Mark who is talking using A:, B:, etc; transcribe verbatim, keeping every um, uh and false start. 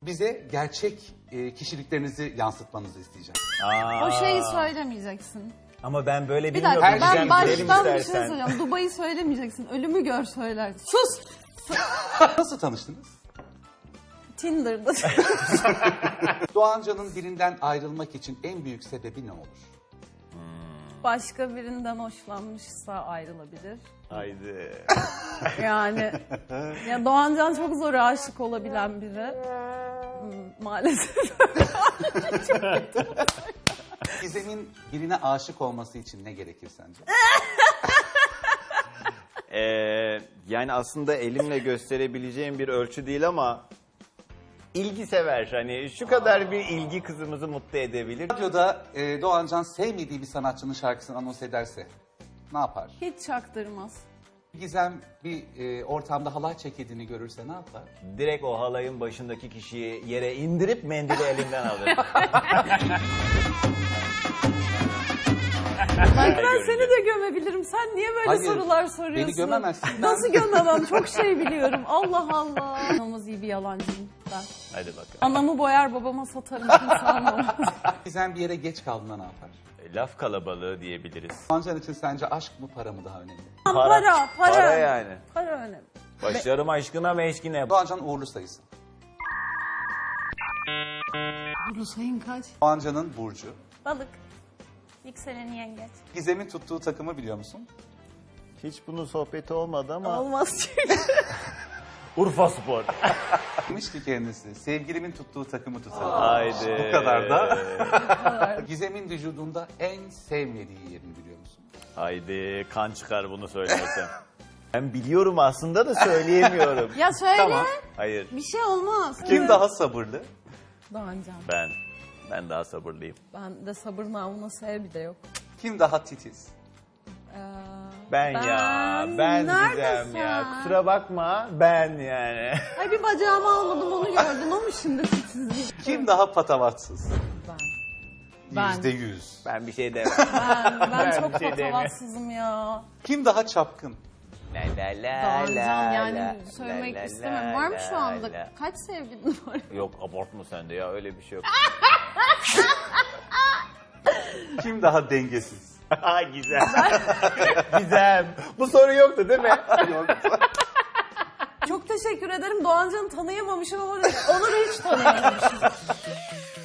A: Bize gerçek e, kişiliklerinizi yansıtmanızı isteyeceğim.
B: Aa,
C: O şeyi söylemeyeceksin.
B: Ama ben böyle
C: Bir
B: bilmiyorum.
C: dakika
A: Her
C: ben
A: şeyi
B: Gidelim
C: baştan bir şey
B: istersen.
C: söyleyeceğim. Dubai'yi söylemeyeceksin. Ölümü gör söylersin. Sus!
A: Nasıl tanıştınız?
C: Tinder'da.
A: Doğancan'ın birinden ayrılmak için en büyük sebebi ne olur?
C: Başka birinden hoşlanmışsa ayrılabilir.
B: Haydi.
C: Yani ya Doğancan çok zor aşık olabilen biri. Hmm, maalesef.
A: Gizem'in birine aşık olması için ne gerekir sence?
B: Ee, yani aslında elimle gösterebileceğim bir ölçü değil ama ilgi sever. Hani şu kadar bir ilgi kızımızı mutlu edebilir.
A: Radyoda e, Doğancan sevmediği bir sanatçının şarkısını anons ederse ne yapar?
C: Hiç çaktırmaz.
A: Gizem bir e, ortamda halay çekildiğini görürse ne yapar?
B: Direkt o halayın başındaki kişiyi yere indirip mendili elinden alır.
C: Bak ben seni de gömebilirim. Sen niye böyle
A: Hayır,
C: sorular soruyorsun?
A: beni gömemezsin. Ben-
C: Nasıl gömemem? Çok şey biliyorum. Allah Allah. İnanılmaz iyi bir yalancıyım ben.
B: Hadi bakalım.
C: Anamı boyar babama satarım. Kimse anlamaz.
A: Gizem bir yere geç kaldığında ne yapar?
B: Laf kalabalığı diyebiliriz.
A: Doğancan için sence aşk mı para mı daha önemli?
C: Para, para.
B: Para yani.
C: Para önemli.
B: Başlarım aşkına meşkine.
A: Doğancan uğurlu sayısı.
C: Bu sayın kaç?
A: Doğancan'ın burcu.
C: Balık. Yükseleni yengeç.
A: Gizem'in tuttuğu takımı biliyor musun?
B: Hiç bunun sohbeti olmadı ama.
C: Olmaz çünkü.
B: Urfa Spor.
A: Demiş ki kendisi, sevgilimin tuttuğu takımı tutalım.
B: Haydi.
A: Bu kadar da. Gizem'in vücudunda en sevmediği yerini biliyor musun?
B: Haydi kan çıkar bunu söylersem. Ben biliyorum aslında da söyleyemiyorum.
C: Ya söyle.
A: Tamam.
B: Hayır
C: Bir şey olmaz.
A: Kim daha sabırlı?
C: Doğancan.
B: ben. Ben daha sabırlıyım.
C: Ben de sabır namına sev bir de yok.
A: Kim daha titiz?
C: Ee,
B: Ben, ya. Ben
C: neredesin?
B: Gizem ya. Kusura bakma ben yani.
C: Ay bir bacağımı almadım onu gördüm ama şimdi titizlik.
A: Kim daha patavatsız?
C: Ben. Ben.
A: Yüzde yüz.
B: Ben bir şey demem.
C: Ben, ben,
B: Ben
C: çok
B: bir şey demiyorum.
C: patavatsızım ya.
A: Kim daha çapkın?
B: La la la
C: Doğancan yani
B: la,
C: söylemek
B: la la
C: istemem.
B: la
C: Var mı şu anda?
B: la.
C: Kaç sevgilin var?
B: Yok abartma sen de ya öyle bir şey yok.
A: Kim daha dengesiz?
B: Ha Gizem. Gizem. Bu soru yoktu değil mi?
C: Çok teşekkür ederim. Doğancan'ı tanıyamamışım ama Onur'u hiç tanıyamamışım.